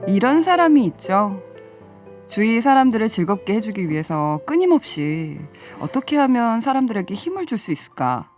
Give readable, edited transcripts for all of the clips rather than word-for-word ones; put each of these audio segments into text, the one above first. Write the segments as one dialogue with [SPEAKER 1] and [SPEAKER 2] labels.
[SPEAKER 1] 이런 사람이 있죠. 주위 사람들을 즐겁게 해주기 위해서 끊임없이 어떻게 하면 사람들에게 힘을 줄 수 있을까?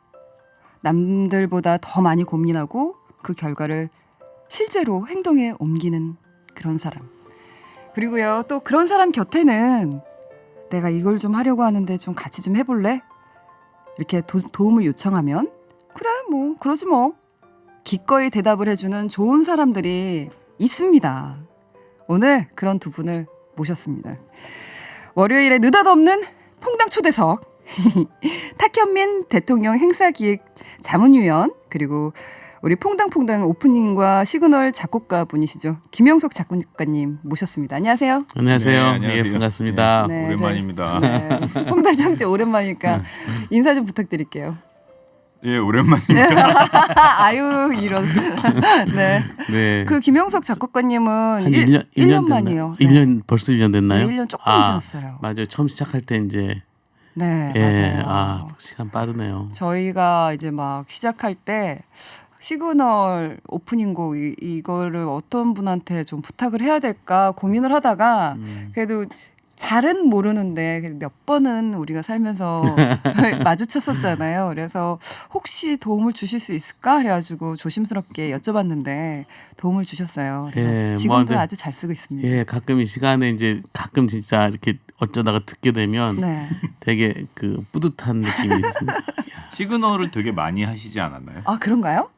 [SPEAKER 1] 남들보다 더 많이 고민하고 그 결과를 실제로 행동에 옮기는 그런 사람. 그리고요, 또 그런 사람 곁에는 내가 이걸 좀 하려고 하는데 좀 같이 좀 해볼래? 이렇게 도움을 요청하면 그래 뭐 그러지 뭐 기꺼이 대답을 해주는 좋은 사람들이 있습니다. 오늘 그런 두 분을 모셨습니다. 월요일에 느닷없는 퐁당 초대석 탁현민 대통령 행사기획 자문위원 그리고 우리 퐁당퐁당 오프닝과 시그널 작곡가 분이시죠. 김영석 작곡가님 모셨습니다. 안녕하세요.
[SPEAKER 2] 안녕하세요.
[SPEAKER 3] 네, 안녕하세요.
[SPEAKER 2] 예, 반갑습니다.
[SPEAKER 1] 네,
[SPEAKER 3] 오랜만입니다.
[SPEAKER 1] 네, 퐁당 청재 오랜만이니까 인사 좀 부탁드릴게요.
[SPEAKER 3] 예, 오랜만입니다.
[SPEAKER 1] 아유 이런. 네.
[SPEAKER 2] 네.
[SPEAKER 1] 그 김영석 작곡가님은
[SPEAKER 2] 한 1년
[SPEAKER 1] 만이에요.
[SPEAKER 2] 됐나요? 1년 벌써 1년 됐나요?
[SPEAKER 1] 네, 1년 조금 지났어요.
[SPEAKER 2] 맞아요. 처음 시작할 때 이제
[SPEAKER 1] 네,
[SPEAKER 2] 예,
[SPEAKER 1] 맞아요.
[SPEAKER 2] 시간 빠르네요.
[SPEAKER 1] 저희가 이제 막 시작할 때 시그널 오프닝곡 이거를 어떤 분한테 좀 부탁을 해야 될까 고민을 하다가 그래도 잘은 모르는데 몇 번은 우리가 살면서 마주쳤었잖아요. 그래서 혹시 도움을 주실 수 있을까 해가지고 조심스럽게 여쭤봤는데 도움을 주셨어요. 그래서
[SPEAKER 2] 예,
[SPEAKER 1] 지금도
[SPEAKER 2] 뭐,
[SPEAKER 1] 아주 잘 쓰고 있습니다.
[SPEAKER 2] 예, 가끔 이 시간에 이제 가끔 진짜 이렇게 어쩌다가 듣게 되면
[SPEAKER 1] 네.
[SPEAKER 2] 되게 그 뿌듯한 느낌이 있습니다.
[SPEAKER 3] 시그널을 되게 많이 하시지 않았나요?
[SPEAKER 1] 아 그런가요?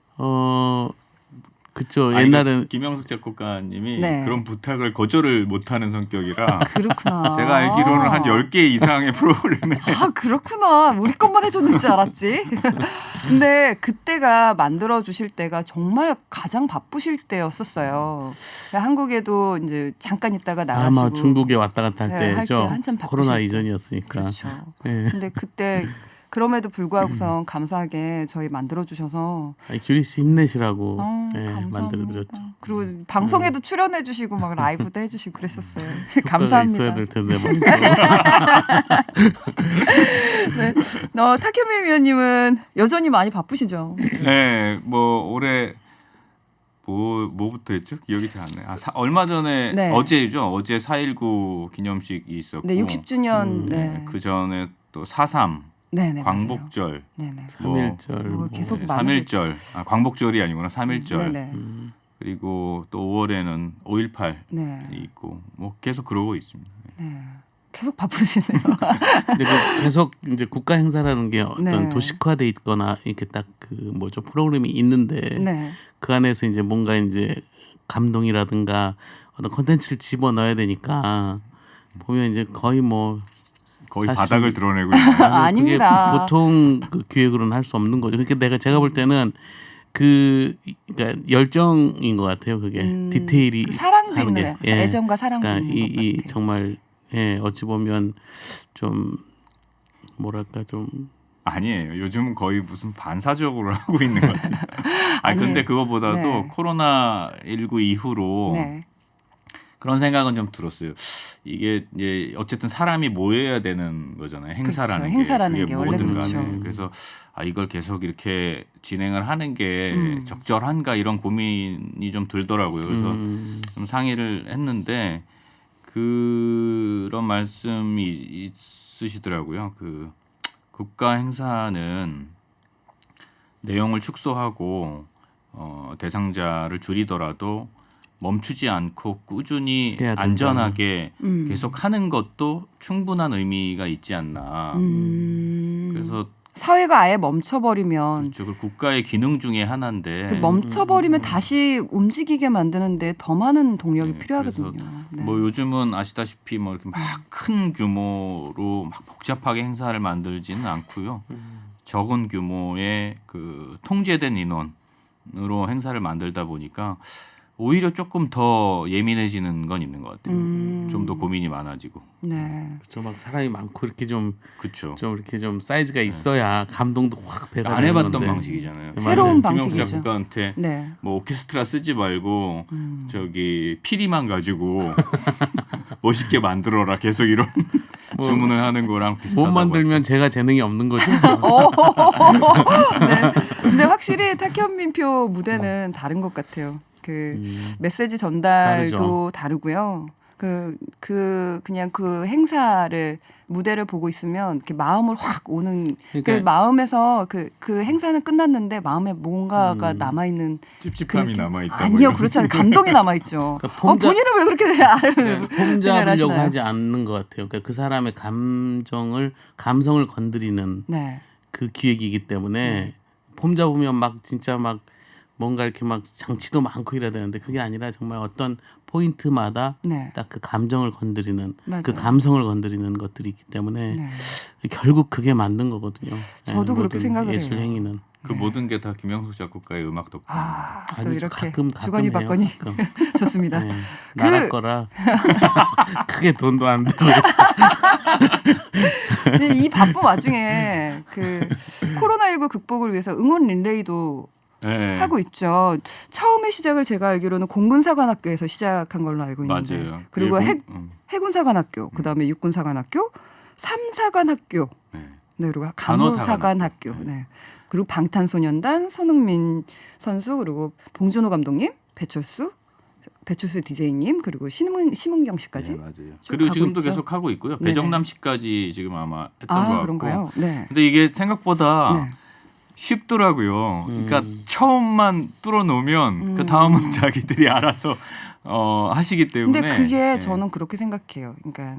[SPEAKER 2] 그쵸.
[SPEAKER 3] 아,
[SPEAKER 2] 옛날엔
[SPEAKER 3] 김영석 작곡가님이
[SPEAKER 1] 네.
[SPEAKER 3] 그런 부탁을 거절을 못하는 성격이라
[SPEAKER 1] 그렇구나.
[SPEAKER 3] 제가 알기로는 한 10개 이상의 프로그램에
[SPEAKER 1] 아 그렇구나. 우리 것만 해줬는 줄 알았지. 근데 그때가 만들어 주실 때가 정말 가장 바쁘실 때였었어요. 한국에도 이제 잠깐 있다가 나가시고
[SPEAKER 2] 아마 중국에 왔다 갔다 할
[SPEAKER 1] 네, 할
[SPEAKER 2] 때죠.
[SPEAKER 1] 때 한참 바쁘실
[SPEAKER 2] 코로나
[SPEAKER 1] 때.
[SPEAKER 2] 이전이었으니까.
[SPEAKER 1] 그렇죠.
[SPEAKER 2] 예.
[SPEAKER 1] 근데 그때 그럼에도 불구하고선 감사하게 저희 만들어 주셔서
[SPEAKER 2] 규리 씨 힘내시라고
[SPEAKER 1] 감사합니다.
[SPEAKER 2] 만들어드렸죠.
[SPEAKER 1] 그리고 방송에도 출연해 주시고 막 라이브도 해주시고 그랬었어요.
[SPEAKER 2] 효과가
[SPEAKER 1] 감사합니다.
[SPEAKER 2] 있어야 될 텐데.
[SPEAKER 1] 네. 탁현민 위원님은 여전히 많이 바쁘시죠?
[SPEAKER 3] 네, 뭐 올해 뭐부터 했죠? 기억이 잘 안 나요. 얼마 전에
[SPEAKER 1] 네.
[SPEAKER 3] 어제죠. 어제 4.19 기념식이 있었고
[SPEAKER 1] 네, 60주년.
[SPEAKER 3] 네, 그 전에 또 4.3
[SPEAKER 1] 네네,
[SPEAKER 3] 광복절,
[SPEAKER 1] 네네.
[SPEAKER 2] 3.1절
[SPEAKER 1] 뭐 계속
[SPEAKER 3] 네,
[SPEAKER 1] 많이
[SPEAKER 3] 3.1절, 광복절이 아니구나 3.1절.
[SPEAKER 1] 네네.
[SPEAKER 3] 그리고 또 5월에는 5.18이
[SPEAKER 1] 네.
[SPEAKER 3] 있고 뭐 계속 그러고 있습니다.
[SPEAKER 1] 네. 계속 바쁘시네요.
[SPEAKER 2] 근데 계속 이제 국가 행사라는 게 어떤
[SPEAKER 1] 네.
[SPEAKER 2] 도식화돼 있거나 이렇게 딱 그 뭐죠 프로그램이 있는데
[SPEAKER 1] 네.
[SPEAKER 2] 그 안에서 이제 뭔가 이제 감동이라든가 어떤 컨텐츠를 집어 넣어야 되니까 보면 이제 거의 뭐
[SPEAKER 3] 거의
[SPEAKER 2] 사실-
[SPEAKER 3] 바닥을 드러내고 있는.
[SPEAKER 1] 아닙니다.
[SPEAKER 2] 그게 보통 그 기획으로는 할 수 없는 거죠. 그러니까 제가 볼 때는 그러니까 열정인 것 같아요. 그게 디테일이
[SPEAKER 1] 그 사랑도
[SPEAKER 2] 사는
[SPEAKER 1] 있는
[SPEAKER 2] 게.
[SPEAKER 1] 거예요. 애정과 사랑도
[SPEAKER 2] 그러니까
[SPEAKER 1] 있는 것
[SPEAKER 2] 이
[SPEAKER 1] 같아요.
[SPEAKER 2] 정말 어찌 보면 좀 뭐랄까 좀
[SPEAKER 3] 아니에요. 요즘은 거의 무슨 반사적으로 하고 있는 것 같아요. 아니 근데 그거보다도
[SPEAKER 1] 네.
[SPEAKER 3] 코로나19 이후로
[SPEAKER 1] 네.
[SPEAKER 3] 그런 생각은 좀 들었어요. 이게 이제 어쨌든 사람이 모여야 되는 거잖아요. 행사라는
[SPEAKER 1] 그렇죠.
[SPEAKER 3] 게.
[SPEAKER 1] 행사라는
[SPEAKER 3] 그게
[SPEAKER 1] 게 원래
[SPEAKER 3] 뭐든
[SPEAKER 1] 그렇죠.
[SPEAKER 3] 간에. 그래서 이걸 계속 이렇게 진행을 하는 게 적절한가 이런 고민이 좀 들더라고요. 그래서 좀 상의를 했는데 그런 말씀이 있으시더라고요. 그 국가 행사는 내용을 축소하고 대상자를 줄이더라도 멈추지 않고 꾸준히
[SPEAKER 2] 해야 된다.
[SPEAKER 3] 안전하게 계속 하는 것도 충분한 의미가 있지 않나. 그래서
[SPEAKER 1] 사회가 아예 멈춰버리면
[SPEAKER 3] 그걸 국가의 기능 중에 하나인데
[SPEAKER 1] 그 멈춰버리면 다시 움직이게 만드는데 더 많은 동력이
[SPEAKER 3] 네,
[SPEAKER 1] 필요하거든요.
[SPEAKER 3] 그래서
[SPEAKER 1] 네.
[SPEAKER 3] 뭐 요즘은 아시다시피 뭐 이렇게 막 큰 규모로 막 복잡하게 행사를 만들지는 않고요. 적은 규모의 그 통제된 인원으로 행사를 만들다 보니까 오히려 조금 더 예민해지는 건 있는 것 같아요. 좀 더 고민이 많아지고.
[SPEAKER 1] 네.
[SPEAKER 2] 좀 막 사람이 많고 이렇게 좀
[SPEAKER 3] 그렇죠.
[SPEAKER 2] 이렇게 좀 사이즈가 있어야 감동도 확 배가
[SPEAKER 3] 안
[SPEAKER 2] 되는
[SPEAKER 3] 해봤던
[SPEAKER 2] 건데.
[SPEAKER 3] 방식이잖아요.
[SPEAKER 1] 새로운
[SPEAKER 3] 김영수
[SPEAKER 1] 방식이죠.
[SPEAKER 3] 작곡가한테
[SPEAKER 1] 네.
[SPEAKER 3] 뭐 오케스트라 쓰지 말고 저기 피리만 가지고 멋있게 만들어라 계속 이런 주문을 하는 거랑
[SPEAKER 2] 못
[SPEAKER 3] 비슷하다고.
[SPEAKER 2] 만들면 제가 재능이 없는 거죠.
[SPEAKER 1] 네. 근데 확실히 탁현민표 무대는 다른 것 같아요. 그 메시지 전달도
[SPEAKER 2] 다르죠.
[SPEAKER 1] 다르고요. 그냥 그 행사를 무대를 보고 있으면 이렇게 마음을 확 오는
[SPEAKER 2] 그러니까
[SPEAKER 1] 그 마음에서 그 행사는 끝났는데 마음에 뭔가가 남아 있는
[SPEAKER 3] 찝찝함이 남아 있다.
[SPEAKER 1] 아니요, 그렇지 않아요. 감동이 남아 있죠.
[SPEAKER 2] 그러니까 폼
[SPEAKER 1] 본인은 왜 그렇게
[SPEAKER 2] 폼
[SPEAKER 1] 생각을
[SPEAKER 2] 잡으려고
[SPEAKER 1] 하시나요?
[SPEAKER 2] 하지 않는 것 같아요. 그러니까 그 사람의 감성을 건드리는
[SPEAKER 1] 네,
[SPEAKER 2] 그 기획이기 때문에 폼 잡으면 막 진짜 막 뭔가 이렇게 막 장치도 많고 이래야 되는데 그게 아니라 정말 어떤 포인트마다
[SPEAKER 1] 네,
[SPEAKER 2] 딱 그 감정을 건드리는
[SPEAKER 1] 맞아요.
[SPEAKER 2] 그 감성을 건드리는 것들이 있기 때문에
[SPEAKER 1] 네.
[SPEAKER 2] 결국 그게 만든 거거든요.
[SPEAKER 1] 저도 그렇게
[SPEAKER 2] 모든
[SPEAKER 1] 생각을
[SPEAKER 2] 예술
[SPEAKER 1] 해요.
[SPEAKER 2] 행위는.
[SPEAKER 3] 그 모든 게 다 김영석 작곡가의 음악 덕분.
[SPEAKER 1] 아, 또
[SPEAKER 2] 아니,
[SPEAKER 1] 이렇게
[SPEAKER 2] 가끔
[SPEAKER 1] 주거니
[SPEAKER 2] 해요,
[SPEAKER 1] 받거니
[SPEAKER 2] 가끔.
[SPEAKER 1] 좋습니다.
[SPEAKER 2] 네. 나라 거라 크게 돈도 안 들고 있어.
[SPEAKER 1] 근데 이 바쁜 와중에 그 코로나19 극복을 위해서 응원 릴레이도
[SPEAKER 3] 네.
[SPEAKER 1] 하고 있죠. 처음에 시작을 제가 알기로는 공군사관학교에서 시작한 걸로 알고 있는데,
[SPEAKER 3] 맞아요.
[SPEAKER 1] 그리고
[SPEAKER 3] 일본-
[SPEAKER 1] 해군사관학교, 그다음에 육군사관학교, 삼사관학교,
[SPEAKER 3] 네.
[SPEAKER 1] 네, 그리고
[SPEAKER 3] 간호사관학교.
[SPEAKER 1] 간호사관학교, 네. 그리고 방탄소년단 손흥민 선수, 그리고 봉준호 감독님, 배철수 DJ님, 그리고 심은경 씨까지.
[SPEAKER 3] 네, 맞아요.
[SPEAKER 1] 쭉
[SPEAKER 3] 그리고
[SPEAKER 1] 가고
[SPEAKER 3] 지금도
[SPEAKER 1] 있죠.
[SPEAKER 3] 계속 하고 있고요.
[SPEAKER 1] 네네.
[SPEAKER 3] 배정남 씨까지 지금 아마 했던 것 같고.
[SPEAKER 1] 그런가요? 네.
[SPEAKER 3] 근데 이게 생각보다
[SPEAKER 1] 네.
[SPEAKER 3] 쉽더라고요. 그러니까 처음만 뚫어놓으면 그 다음은 자기들이 알아서 하시기 때문에.
[SPEAKER 1] 근데 그게
[SPEAKER 3] 네.
[SPEAKER 1] 저는 그렇게 생각해요. 그러니까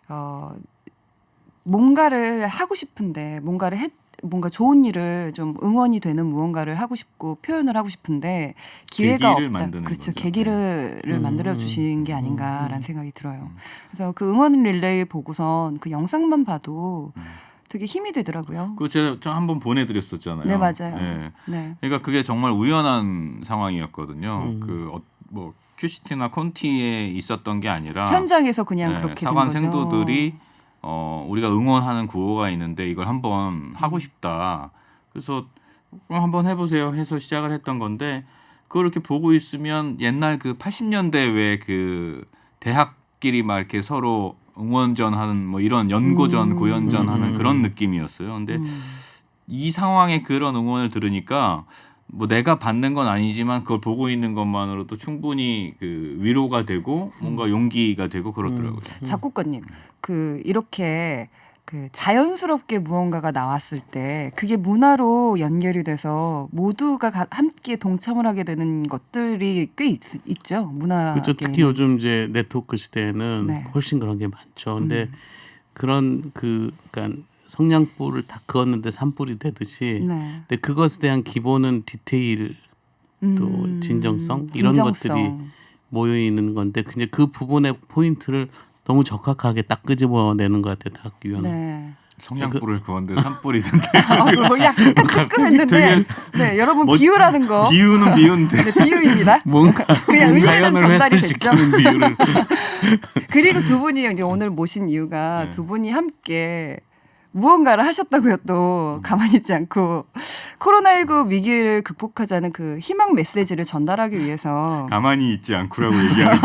[SPEAKER 1] 뭔가를 하고 싶은데 뭔가 좋은 일을 좀 응원이 되는 무언가를 하고 싶고 표현을 하고 싶은데 기회가
[SPEAKER 3] 계기를
[SPEAKER 1] 없다.
[SPEAKER 3] 만드는
[SPEAKER 1] 그렇죠.
[SPEAKER 3] 거죠.
[SPEAKER 1] 계기를
[SPEAKER 2] 네.
[SPEAKER 1] 만들어 주신 게 아닌가라는 생각이 들어요. 그래서 그 응원 릴레이 보고선 그 영상만 봐도 되게 힘이 되더라고요.
[SPEAKER 3] 그거 제가 한번 보내드렸었잖아요.
[SPEAKER 1] 네, 맞아요.
[SPEAKER 3] 네.
[SPEAKER 1] 네.
[SPEAKER 3] 그러니까 그게 정말 우연한 상황이었거든요. 뭐 큐시티나 콘티에 있었던 게 아니라
[SPEAKER 1] 현장에서 그냥
[SPEAKER 3] 네,
[SPEAKER 1] 그렇게
[SPEAKER 3] 사관
[SPEAKER 1] 된 거죠.
[SPEAKER 3] 생도들이 우리가 응원하는 구호가 있는데 이걸 한번 하고 싶다. 그래서 그럼 한번 해보세요 해서 시작을 했던 건데 그걸 이렇게 보고 있으면 옛날 그 80년대 왜 그 대학끼리 막 이렇게 서로 응원전 하는 뭐 이런 연고전 고연전 하는 그런 느낌이었어요. 근데 이 상황에 그런 응원을 들으니까 뭐 내가 받는 건 아니지만 그걸 보고 있는 것만으로도 충분히 그 위로가 되고 뭔가 용기가 되고 그렇더라고요.
[SPEAKER 1] 작곡가님, 그 이렇게 그 자연스럽게 무언가가 나왔을 때 그게 문화로 연결이 돼서 모두가 함께 동참을 하게 되는 것들이 꽤 있죠. 문화.
[SPEAKER 2] 그렇죠. 특히 요즘 이제 네트워크 시대에는
[SPEAKER 1] 네.
[SPEAKER 2] 훨씬 그런 게 많죠. 근데 그런 그러니까 성냥불을 다 그었는데 산불이 되듯이
[SPEAKER 1] 네.
[SPEAKER 2] 근데 그것에 대한 기본은 디테일 또 진정성 이런
[SPEAKER 1] 진정성.
[SPEAKER 2] 것들이 모여 있는 건데 이제 그 부분의 포인트를 너무 적확하게 딱 끄집어내는 것 같아요. 딱 위원은.
[SPEAKER 1] 네.
[SPEAKER 3] 성냥불을 그었는데 산불이 된다.
[SPEAKER 1] 그거 약간 뜨끔했는데 네, 여러분 비유라는 거.
[SPEAKER 3] 비유인데
[SPEAKER 1] 네, 비유입니다.
[SPEAKER 2] 뭔가
[SPEAKER 1] 그냥 의미는
[SPEAKER 2] 자연을
[SPEAKER 1] 전달이 됐죠.
[SPEAKER 2] 훼손시키는 비유를
[SPEAKER 1] 그리고 두 분이 이제 오늘 모신 이유가
[SPEAKER 3] 네.
[SPEAKER 1] 두 분이 함께 무언가를 하셨다고요. 또 가만히 있지 않고 코로나19 위기를 극복하자는 그 희망 메시지를 전달하기 위해서
[SPEAKER 3] 가만히 있지 않고라고 얘기하는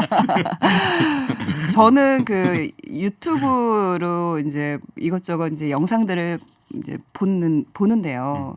[SPEAKER 1] 저는 그 유튜브로 이제 이것저것 이제 영상들을 이제 보는데요.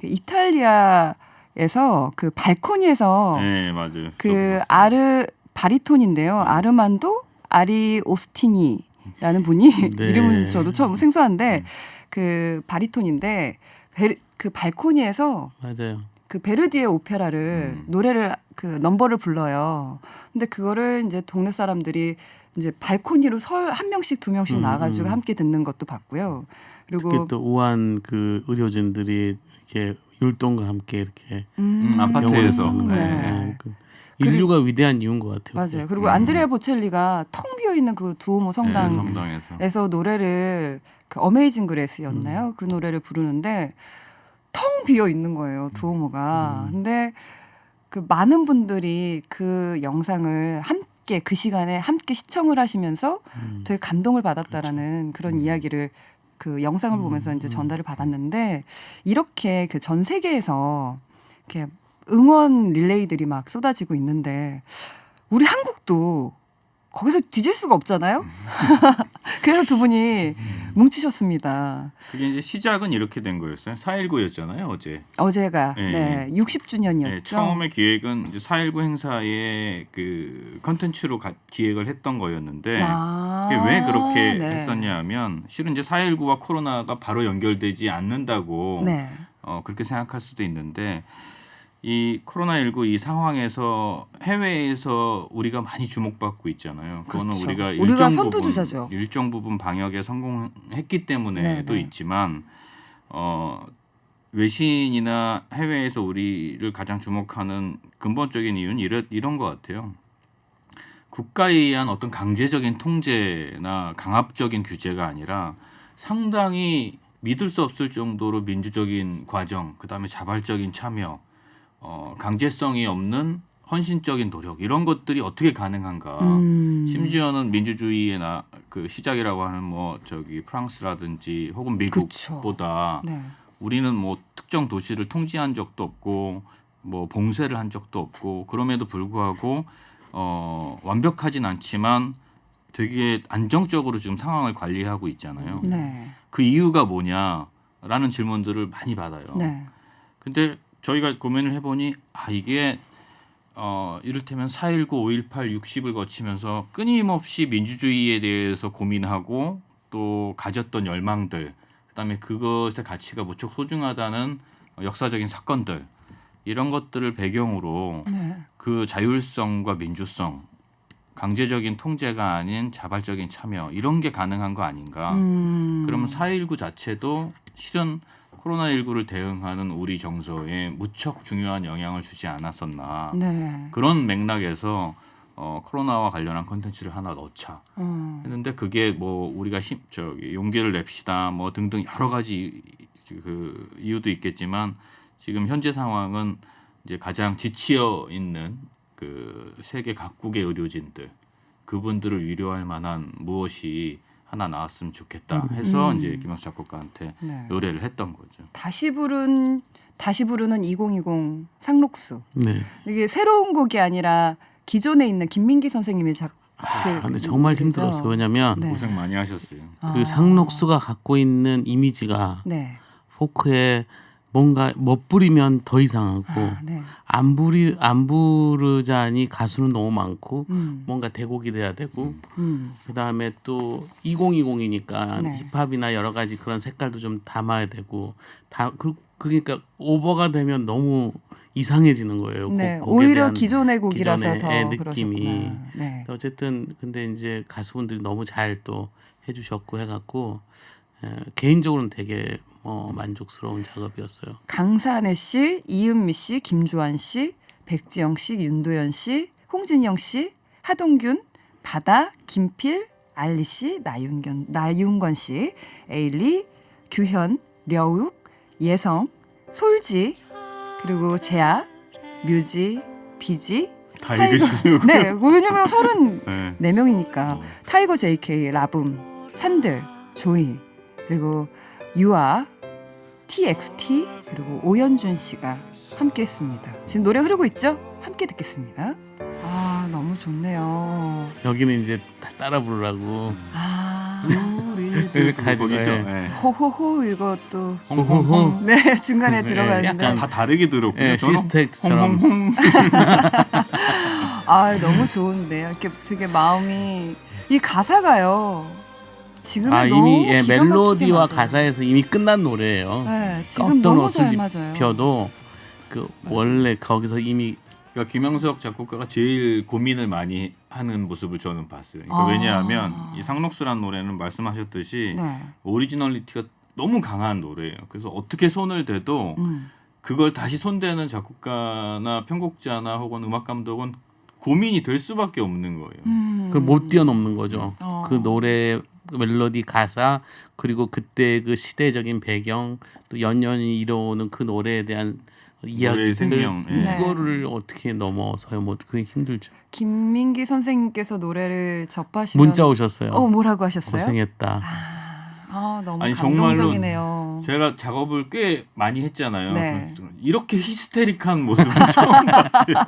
[SPEAKER 1] 이탈리아에서 그 발코니에서
[SPEAKER 3] 네 맞아요.
[SPEAKER 1] 그 바리톤인데요. 아르만도 아리오스티니라는 분이
[SPEAKER 2] 네.
[SPEAKER 1] 이름은 저도 처음 생소한데 그 바리톤인데 그 발코니에서
[SPEAKER 2] 맞아요.
[SPEAKER 1] 그 베르디의 오페라를 노래를 그 넘버를 불러요. 근데 그거를 이제 동네 사람들이 이제 발코니로 한 명씩 두 명씩 나와가지고 함께 듣는 것도 봤고요. 그리고
[SPEAKER 2] 특히 또 우한 그 의료진들이 이렇게 율동과 함께 이렇게
[SPEAKER 3] 아파트에서.
[SPEAKER 2] 병원에서 하는
[SPEAKER 1] 네.
[SPEAKER 2] 거예요. 그 인류가 위대한 이유인 것 같아요.
[SPEAKER 1] 맞아요. 그리고 안드레아 보첼리가 통 비어 있는 그 두오모 성당에서
[SPEAKER 3] 성당에서
[SPEAKER 1] 노래를 그 어메이징 그레스였나요? 그 노래를 부르는데 텅 비어 있는 거예요. 두오모가. 근데 그 많은 분들이 그 영상을 함께 그 시간에 함께 시청을 하시면서 되게 감동을 받았다라는 그런 이야기를 그 영상을 보면서 이제 전달을 받았는데 이렇게 그 전 세계에서 이렇게 응원 릴레이들이 막 쏟아지고 있는데 우리 한국도 거기서 뒤질 수가 없잖아요. 그래서 두 분이 뭉치셨습니다.
[SPEAKER 3] 그게 이제 시작은 이렇게 된 거였어요. 4.19였잖아요, 어제.
[SPEAKER 1] 어제가
[SPEAKER 3] 네.
[SPEAKER 1] 네, 60주년이었죠.
[SPEAKER 3] 네, 처음에 기획은 이제 4.19 행사의 그 컨텐츠로 기획을 했던 거였는데 이게 왜 그렇게
[SPEAKER 1] 네.
[SPEAKER 3] 했었냐 하면 실은 이제 4.19와 코로나가 바로 연결되지 않는다고
[SPEAKER 1] 네.
[SPEAKER 3] 그렇게 생각할 수도 있는데 이 코로나19 이 상황에서 해외에서 우리가 많이 주목받고 있잖아요. 그거는
[SPEAKER 1] 그렇죠.
[SPEAKER 3] 우리가
[SPEAKER 1] 우리가 선두주자죠.
[SPEAKER 3] 일정 부분 방역에 성공했기 때문에도
[SPEAKER 1] 네.
[SPEAKER 3] 있지만 외신이나 해외에서 우리를 가장 주목하는 근본적인 이유는 이런 것 같아요. 국가에 의한 어떤 강제적인 통제나 강압적인 규제가 아니라 상당히 믿을 수 없을 정도로 민주적인 과정, 그다음에 자발적인 참여, 강제성이 없는 헌신적인 노력 이런 것들이 어떻게 가능한가? 심지어는 민주주의의 그 시작이라고 하는 뭐 저기 프랑스라든지 혹은 미국보다
[SPEAKER 1] 네.
[SPEAKER 3] 우리는 뭐 특정 도시를 통제한 적도 없고 뭐 봉쇄를 한 적도 없고 그럼에도 불구하고 완벽하진 않지만 되게 안정적으로 지금 상황을 관리하고 있잖아요.
[SPEAKER 1] 네.
[SPEAKER 3] 그 이유가 뭐냐라는 질문들을 많이 받아요.
[SPEAKER 1] 네.
[SPEAKER 3] 근데 저희가 고민을 해보니 이게 이를테면 4.19, 5.18, 60을 거치면서 끊임없이 민주주의에 대해서 고민하고 또 가졌던 열망들, 그다음에 그것의 가치가 무척 소중하다는 역사적인 사건들 이런 것들을 배경으로
[SPEAKER 1] 네.
[SPEAKER 3] 그 자율성과 민주성, 강제적인 통제가 아닌 자발적인 참여 이런 게 가능한 거 아닌가? 그러면 4.19 자체도 실은 코로나19를 대응하는 우리 정서에 무척 중요한 영향을 주지 않았었나.
[SPEAKER 1] 네.
[SPEAKER 3] 그런 맥락에서 코로나와 관련한 콘텐츠를 하나 넣자 했는데 그게 뭐 우리가 용기를 냅시다 뭐 등등 여러 가지 그 이유도 있겠지만 지금 현재 상황은 이제 가장 지치어 있는 그 세계 각국의 의료진들 그분들을 위로할 만한 무엇이 하나 나왔으면 좋겠다 해서 이제 김영수 작곡가한테
[SPEAKER 1] 네.
[SPEAKER 3] 노래를 했던 거죠.
[SPEAKER 1] 다시 부르는 2020 상록수.
[SPEAKER 2] 네.
[SPEAKER 1] 이게 새로운 곡이 아니라 기존에 있는 김민기 선생님의
[SPEAKER 2] 근데 정말 힘들었어요. 왜냐하면
[SPEAKER 1] 네.
[SPEAKER 3] 고생 많이 하셨어요.
[SPEAKER 2] 그 상록수가 갖고 있는 이미지가
[SPEAKER 1] 네.
[SPEAKER 2] 포크에 뭔가 멋부리면 더 이상하고
[SPEAKER 1] 네.
[SPEAKER 2] 안 부르자니 가수는 너무 많고 뭔가 대곡이 돼야 되고 그다음에 또 2020이니까
[SPEAKER 1] 네.
[SPEAKER 2] 힙합이나 여러 가지 그런 색깔도 좀 담아야 되고 그러니까 오버가 되면 너무 이상해지는 거예요.
[SPEAKER 1] 네.
[SPEAKER 2] 곡에
[SPEAKER 1] 오히려
[SPEAKER 2] 대한
[SPEAKER 1] 기존의 곡이라서
[SPEAKER 2] 기존의
[SPEAKER 1] 더
[SPEAKER 2] 느낌이.
[SPEAKER 1] 그러셨구나. 네.
[SPEAKER 2] 어쨌든 근데 이제 가수분들이 너무 잘 또 해주셨고 해갖고 개인적으로는 되게 만족스러운 작업이었어요.
[SPEAKER 1] 강산혜 씨, 이은미 씨, 김주환 씨, 백지영 씨, 윤도현 씨, 홍진영 씨, 하동균, 바다, 김필, 알리 씨, 나윤건 씨, 에일리, 규현, 려욱, 예성, 솔지, 그리고 재아, 뮤지, 비지,
[SPEAKER 3] 다 읽으시려고.
[SPEAKER 1] 네, 왜냐면 34명이니까
[SPEAKER 3] 네.
[SPEAKER 1] 타이거 JK, 라붐, 산들, 조이, 그리고 유아, TXT, 그리고 오연준 씨가 함께했습니다. 지금 노래 흐르고 있죠? 함께 듣겠습니다. 너무 좋네요.
[SPEAKER 2] 여기는 이제 다 따라 부르라고.
[SPEAKER 3] 우리들
[SPEAKER 2] 가지고,
[SPEAKER 3] 곡이죠.
[SPEAKER 2] 예.
[SPEAKER 3] 네.
[SPEAKER 1] 호호호 이것도
[SPEAKER 2] 홍홍홍.
[SPEAKER 1] 네 중간에 들어가는데
[SPEAKER 2] 약간
[SPEAKER 3] 다 다르게 들었고요.
[SPEAKER 2] 예,
[SPEAKER 3] 저는
[SPEAKER 2] 시스텍처럼.
[SPEAKER 3] 홍홍홍.
[SPEAKER 1] 너무 좋은데요. 이렇게 되게 마음이 이 가사가요. 지금 너무
[SPEAKER 2] 이미
[SPEAKER 1] 기가 막히게
[SPEAKER 2] 멜로디와
[SPEAKER 1] 맞아요.
[SPEAKER 2] 가사에서 이미 끝난 노래예요.
[SPEAKER 1] 네, 지금
[SPEAKER 2] 어떤
[SPEAKER 1] 너무
[SPEAKER 2] 옷을
[SPEAKER 1] 잘 맞아요.
[SPEAKER 2] 입혀도 그 원래 거기서 이미
[SPEAKER 3] 그러니까 김영석 작곡가가 제일 고민을 많이 하는 모습을 저는 봤어요. 그러니까 왜냐하면 이 상록수란 노래는 말씀하셨듯이
[SPEAKER 1] 네.
[SPEAKER 3] 오리지널리티가 너무 강한 노래예요. 그래서 어떻게 손을 대도 그걸 다시 손대는 작곡가나 편곡자나 혹은 음악 감독은 고민이 될 수밖에 없는 거예요.
[SPEAKER 2] 그걸 못 뛰어넘는 거죠.
[SPEAKER 1] 어.
[SPEAKER 2] 그 노래 멜로디 가사 그리고 그때 그 시대적인 배경 또 연연히 이뤄오는 그 노래에 대한
[SPEAKER 3] 노래의
[SPEAKER 2] 이야기들
[SPEAKER 3] 생명. 예.
[SPEAKER 1] 네.
[SPEAKER 2] 이거를 어떻게 넘어서요? 뭐 그게 힘들죠.
[SPEAKER 1] 김민기 선생님께서 노래를 접하시면
[SPEAKER 2] 문자 오셨어요.
[SPEAKER 1] 뭐라고 하셨어요?
[SPEAKER 2] 고생했다.
[SPEAKER 1] 너무
[SPEAKER 3] 아니, 정말로
[SPEAKER 1] 감동적이네요.
[SPEAKER 3] 제가 작업을 꽤 많이 했잖아요.
[SPEAKER 1] 네.
[SPEAKER 3] 이렇게 히스테릭한 모습을 처음 봤어요.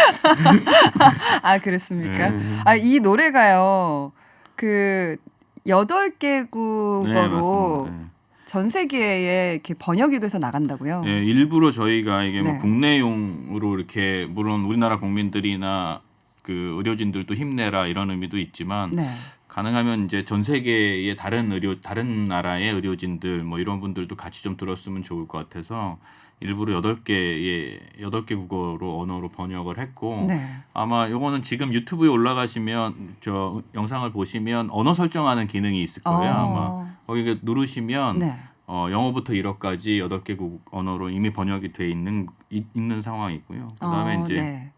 [SPEAKER 1] 아 그랬습니까?
[SPEAKER 3] 네.
[SPEAKER 1] 아 이 노래가요. 그 8개국어로
[SPEAKER 3] 네, 맞습니다. 네.
[SPEAKER 1] 전 세계에 이렇게 번역이 돼서 나간다고요.
[SPEAKER 3] 예, 일부러 저희가 이게 뭐
[SPEAKER 1] 네.
[SPEAKER 3] 국내용으로 이렇게 물론 우리나라 국민들이나 그 의료진들도 힘내라 이런 의미도 있지만
[SPEAKER 1] 네.
[SPEAKER 3] 가능하면 이제 전 세계의 다른 나라의 의료진들 뭐 이런 분들도 같이 좀 들었으면 좋을 것 같아서 일부러 8개 국어로 언어로 번역을 했고
[SPEAKER 1] 네.
[SPEAKER 3] 아마 요거는 지금 유튜브에 올라가시면 저 영상을 보시면 언어 설정하는 기능이 있을 거예요. 아마 거기 누르시면
[SPEAKER 1] 네.
[SPEAKER 3] 영어부터 1어까지 8개국 언어로 이미 번역이 돼 있는 상황이고요. 그다음에 이제
[SPEAKER 1] 네.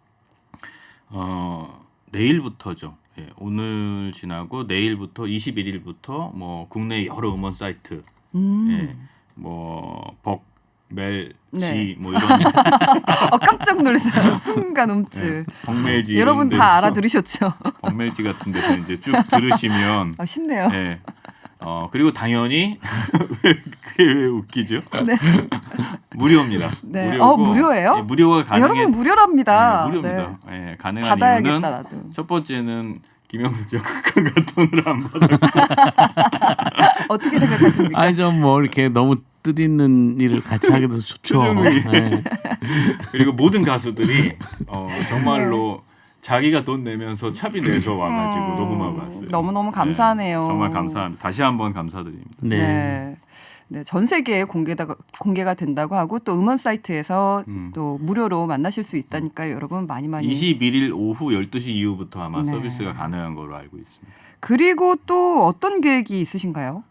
[SPEAKER 3] 내일부터죠. 예, 오늘 지나고 내일부터 21일부터 뭐 국내 여러 음원 사이트, 예, 뭐 벅멜지
[SPEAKER 1] 네.
[SPEAKER 3] 뭐 이런
[SPEAKER 1] 깜짝 놀랐어요. 순간 움찔.
[SPEAKER 3] 벅멜지
[SPEAKER 1] 여러분
[SPEAKER 3] 이런
[SPEAKER 1] 다
[SPEAKER 3] 데서
[SPEAKER 1] 알아들으셨죠?
[SPEAKER 3] 벅멜지 같은 데서 이제 쭉 들으시면
[SPEAKER 1] 아, 쉽네요.
[SPEAKER 3] 예. 그리고 당연히 그게 왜 웃기죠?
[SPEAKER 1] 네.
[SPEAKER 3] 무료입니다.
[SPEAKER 1] 네.
[SPEAKER 3] 무료고,
[SPEAKER 1] 무료예요?
[SPEAKER 3] 예, 무료가 가능해.
[SPEAKER 1] 여러분 무료랍니다.
[SPEAKER 3] 네, 무료입니다.
[SPEAKER 1] 네.
[SPEAKER 3] 예, 가능한
[SPEAKER 1] 받아야겠다
[SPEAKER 3] 이유는
[SPEAKER 1] 나도.
[SPEAKER 3] 첫 번째는 김영수 작가가 돈을 안 받았고
[SPEAKER 1] 어떻게 생각하십니까?
[SPEAKER 2] 아니 좀 뭐 이렇게 너무 뜻있는 일을 같이 하게 돼서 좋죠.
[SPEAKER 3] 표정이.
[SPEAKER 2] 네.
[SPEAKER 3] 그리고 모든 가수들이 정말로 자기가 돈 내면서 차비 내서 와가지고 녹음하고 왔어요.
[SPEAKER 1] 너무너무 감사하네요.
[SPEAKER 3] 네, 정말 감사합니다. 다시 한번 감사드립니다.
[SPEAKER 2] 네.
[SPEAKER 1] 네. 네, 전 세계에 공개가 된다고 하고 또 음원 사이트에서 또 무료로 만나실 수 있다니까요. 여러분 많이
[SPEAKER 3] 21일 오후 12시 이후부터 아마
[SPEAKER 1] 네.
[SPEAKER 3] 서비스가 가능한 걸로 알고 있습니다.
[SPEAKER 1] 그리고 또 어떤 계획이 있으신가요?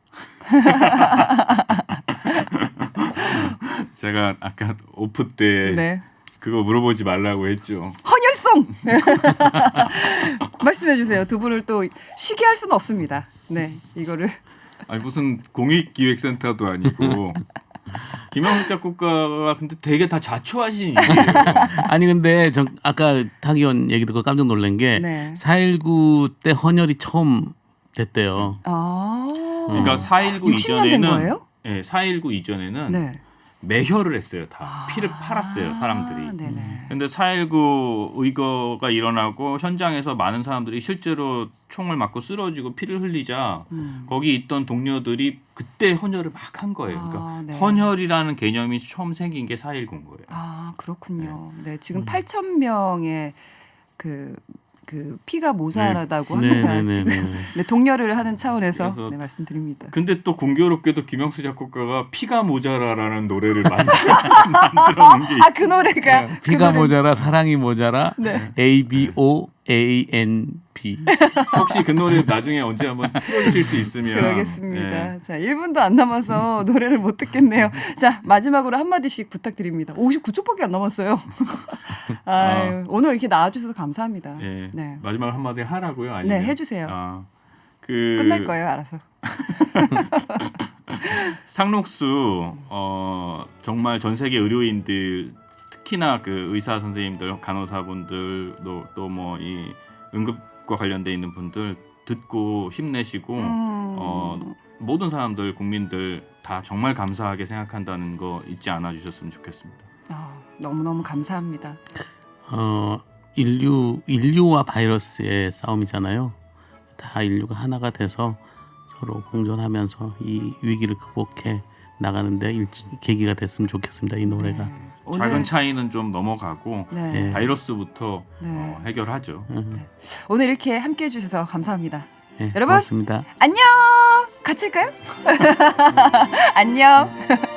[SPEAKER 3] 제가 아까 오프 때
[SPEAKER 1] 네.
[SPEAKER 3] 그거 물어보지 말라고 했죠.
[SPEAKER 1] 헌혈송 말씀해 주세요. 두 분을 또 쉬게 할 수는 없습니다. 네, 이거를
[SPEAKER 3] 아니 무슨 공익기획센터도 아니고 김영수 작곡가가 근데 되게 다 자초하신 일이에요.
[SPEAKER 2] 아니 근데 전 아까 타기원 얘기 듣고 깜짝 놀란 게
[SPEAKER 1] 네.
[SPEAKER 2] 4.19 때 헌혈이 처음 됐대요.
[SPEAKER 3] 그러니까 4.19
[SPEAKER 1] 60년 된
[SPEAKER 3] 이전에는
[SPEAKER 1] 거예요?
[SPEAKER 3] 네, 4.19 이전에는
[SPEAKER 1] 네.
[SPEAKER 3] 매혈을 했어요. 다 피를 팔았어요. 사람들이.
[SPEAKER 1] 네네.
[SPEAKER 3] 근데 4.19 의거가 일어나고 현장에서 많은 사람들이 실제로 총을 맞고 쓰러지고 피를 흘리자 거기 있던 동료들이 그때 헌혈을 막 한 거예요. 그러니까
[SPEAKER 1] 네.
[SPEAKER 3] 헌혈이라는 개념이 처음 생긴 게 4.19인 거예요.
[SPEAKER 1] 아 그렇군요. 네, 지금 8,000명의 그 피가 모자라다고 합니다.
[SPEAKER 2] 네네네.
[SPEAKER 1] 지금 네, 동료를 하는 차원에서
[SPEAKER 3] 그래서
[SPEAKER 1] 네, 말씀드립니다.
[SPEAKER 3] 근데 또 공교롭게도 김영수 작곡가가 피가 모자라라는 노래를 만들어낸 게 있어요.
[SPEAKER 1] 아 그 노래가 그
[SPEAKER 2] 피가
[SPEAKER 1] 노래-
[SPEAKER 2] 모자라 사랑이 모자라
[SPEAKER 1] 네.
[SPEAKER 2] ABOANB.
[SPEAKER 3] 혹시 그 노래 나중에 언제 한번 틀어주실 수 있으면
[SPEAKER 1] 그러겠습니다.
[SPEAKER 3] 예.
[SPEAKER 1] 자, 1분도 안 남아서 노래를 못 듣겠네요. 자, 마지막으로 한마디씩 부탁드립니다. 59초밖에 안 남았어요. 아유, 오늘 이렇게 나와주셔서 감사합니다.
[SPEAKER 3] 예.
[SPEAKER 1] 네.
[SPEAKER 3] 마지막으로 한마디 하라고요? 아니면
[SPEAKER 1] 네, 해주세요.
[SPEAKER 3] 끝날
[SPEAKER 1] 거예요, 알아서.
[SPEAKER 3] 상록수 정말 전 세계 의료인들 특히나 그 의사 선생님들, 간호사분들 또 뭐 이 응급과 관련돼 있는 분들 듣고 힘내시고 모든 사람들 국민들 다 정말 감사하게 생각한다는 거 잊지 않아 주셨으면 좋겠습니다.
[SPEAKER 1] 너무너무 감사합니다.
[SPEAKER 2] 인류와 바이러스의 싸움이잖아요. 다 인류가 하나가 돼서 서로 공존하면서 이 위기를 극복해 나가는데 계기가 됐으면 좋겠습니다. 이 노래가.
[SPEAKER 1] 네.
[SPEAKER 3] 작은 차이는 좀 넘어가고
[SPEAKER 1] 네.
[SPEAKER 3] 바이러스부터
[SPEAKER 1] 네.
[SPEAKER 3] 해결하죠.
[SPEAKER 1] 오늘 이렇게 함께 해주셔서 감사합니다.
[SPEAKER 2] 네,
[SPEAKER 1] 여러분
[SPEAKER 2] 고맙습니다.
[SPEAKER 1] 안녕. 같이 할까요? 안녕.